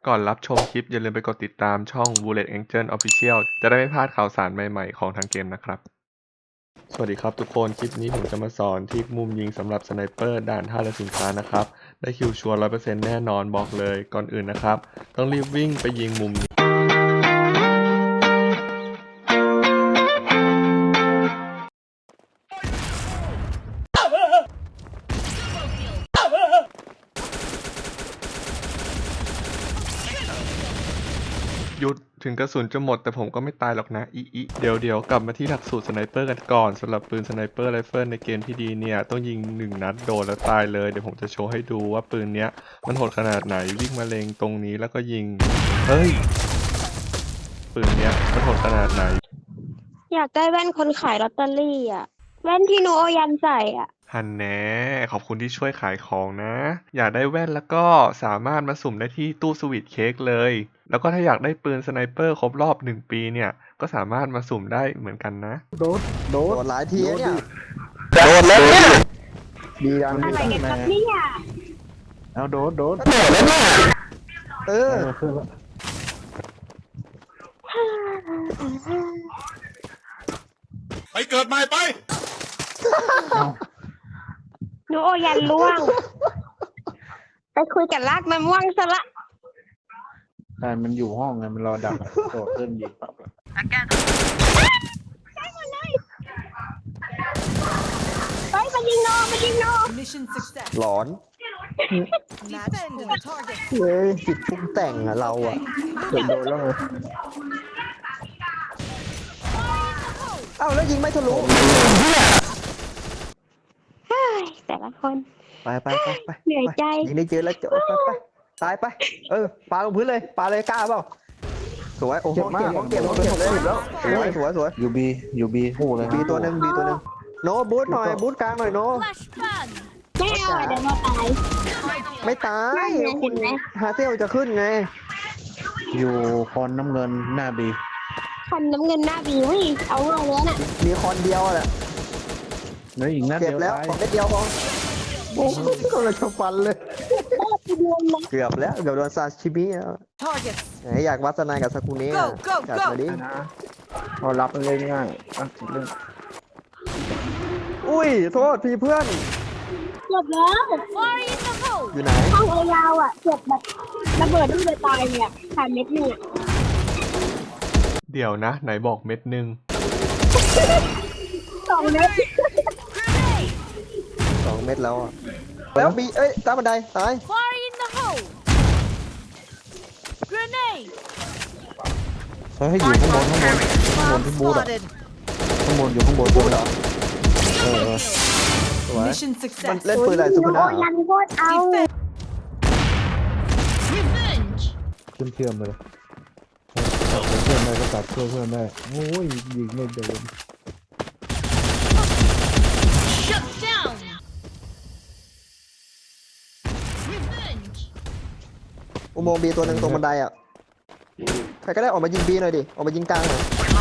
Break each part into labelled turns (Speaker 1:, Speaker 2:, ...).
Speaker 1: ก่อนรับชมคลิปอย่าลืมไปกดติดตามช่อง Bullet Angel Official จะได้ไม่พลาดข่าวสารใหม่ๆของทางเกมนะครับ สวัสดีครับทุกคน คลิปนี้ผมจะมาสอนที่มุมยิงสำหรับสไนเปอร์ด่านท่าเรือสินค้านะครับ ได้คิวชัวร์ 100% แน่นอนบอกเลย ก่อนอื่นนะครับ ต้องรีบวิ่งไปยิงมุมนี้หยุดถึงกระสุนจะหมดแต่ผมก็ไม่ตายหรอกนะเดี๋ยวกลับมาที่หลักสูตรสไนเปอร์กันก่อนสำหรับปืนสไนเปอร์ไรเฟิลในเกมที่ดีเนี่ยต้องยิง1 นัดโดนแล้วตายเลยเดี๋ยวผมจะโชว์ให้ดูว่าปืนเนี้ยมันโหดขนาดไหนวิ่งมาเล็งตรงนี้แล้วก็ยิงเฮ้ยปืนเนี้ยมันโหดขนาดไหน
Speaker 2: อยากได้แว่นคนขายลอตเตอรี่อ่ะแว่นที่หนูเอายันใส่อ่ะ
Speaker 1: ฮันแน่ขอบคุณที่ช่วยขายของนะอยากได้แว่นแล้วก็สามารถมาสุ่มได้ที่ตู้สวีทเค้กเลยแล้วก็ถ้าอยากได้ปืนสไนเปอร์ครบรอบ1 ปีเนี่ยก็สามารถมาสุ่มได้เหมือนกันนะ
Speaker 3: โดด
Speaker 4: หลายทีเนี่ย
Speaker 3: โดดแล้วเนี่ยดีดัง
Speaker 2: อะไรกันครับเนี่ย
Speaker 3: เอาโดด
Speaker 4: โดดแล้วเนี่ยเออ
Speaker 3: ขึ้นแล้ว
Speaker 5: ไปเกิดใหม่ไป
Speaker 2: หนูเอายันล่วงไปคุยกับลากมะม่วงซะละ
Speaker 3: ใช่มันอยู่ห้องไงมันรอดักโดดขึ้นยิงปั๊บ
Speaker 2: ไปมายิงน้องมายิงน้อง
Speaker 6: Mission success.
Speaker 4: หลอน
Speaker 6: Defend the target.
Speaker 4: เฮ้ยจิตปรุงแต่งอะเราอะ
Speaker 3: เกือบโดนแล้วไง
Speaker 4: เอ้าแล้วยิงไม่ทะลุ
Speaker 2: เฮ้ยแต่ละคน
Speaker 4: ไป
Speaker 2: เหนื่อยใจ
Speaker 4: ยิงได้เจอแล้วจะไปตายไปปาลงพื้นเลยปาเลยกล้าเปล่าสวยโอ้โหเก็บเลยแล้วสวย
Speaker 3: ยูบีคู่เลย
Speaker 4: บีตัวหนึ่งโนบูทหน่อยบูทกลางหน่อยโน
Speaker 2: ไม่เอาอะเดี๋ยวเราตาย
Speaker 4: ไม่ตาย
Speaker 2: นั่นไงเห็นไหม
Speaker 4: ฮาเซลจะขึ้นไง
Speaker 3: อยู่คอนน้ำเงินหน้าบี
Speaker 2: คันน้ำเงินหน้าบีเฮ้ยเอาเลยน่ะ
Speaker 4: มีคอนเดียวแหละ
Speaker 3: แล้วอีกนัด
Speaker 4: เก็
Speaker 3: เดี
Speaker 4: บ
Speaker 3: ยว
Speaker 4: แล้ว
Speaker 3: ตาย
Speaker 4: ของเม็ดเดียวพอโอ้โหก็เลยชกฟันเลย
Speaker 2: ไปดวงเลย
Speaker 4: เกือบโดนซาชิมิอ่ะ
Speaker 6: Target.
Speaker 4: อยากวัฒนากับซากุเนะ
Speaker 6: Go
Speaker 4: จัดมาดิ
Speaker 3: นะพอรับเล่นง่ายเรื่อง
Speaker 4: อุ้ยโทษพี่เพื่อน
Speaker 2: จบแล้ว
Speaker 4: อยู่ไหน
Speaker 2: ห้องเอยาวอ่ะจบแบบระเบิดต้องไปตายเนี่ยขาดเม็ดหนึ่ง
Speaker 1: เดี๋ยวนะไหนบอกเม็ดหนึ่ง
Speaker 2: 2 เม็ด
Speaker 4: 2 เม็ดแล้วอ่ะแล้วบีตามบันไดตาย
Speaker 6: Fire in the hole. Grenade.
Speaker 3: เฮ้ยอยู่ข้างบนที่บูธอะ
Speaker 6: Spotted.
Speaker 3: ข้างบนอยู่ข้างบน
Speaker 4: บูทเหรอ สวย
Speaker 6: Mission
Speaker 4: มัน
Speaker 6: success.
Speaker 4: เล่นปืนอะไรซู
Speaker 2: ห
Speaker 4: คุ
Speaker 2: นู
Speaker 4: นะ
Speaker 2: เอายันโคตรเอา
Speaker 6: Revenge.
Speaker 3: เชื่อมเลยตัดเพื่อนได้ก็ตัดเพื่อนได้โอ้ยยิงไม่โดน
Speaker 6: Shut down. Revenge.
Speaker 4: อุโมงค์บีตัวหนึ่งตรงบันไดอ่ะใครก็ได้ออกมายิงบีหน่อยดิออกมายิงกลางหน่อย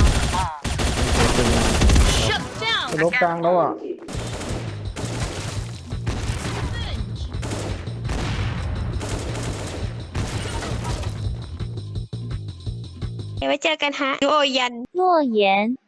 Speaker 6: Shut down.
Speaker 3: ลบกลางแล้วอ่ะ
Speaker 2: เดี๋ยวไว้เจอกันฮะหนูเอายัน
Speaker 7: 诺言。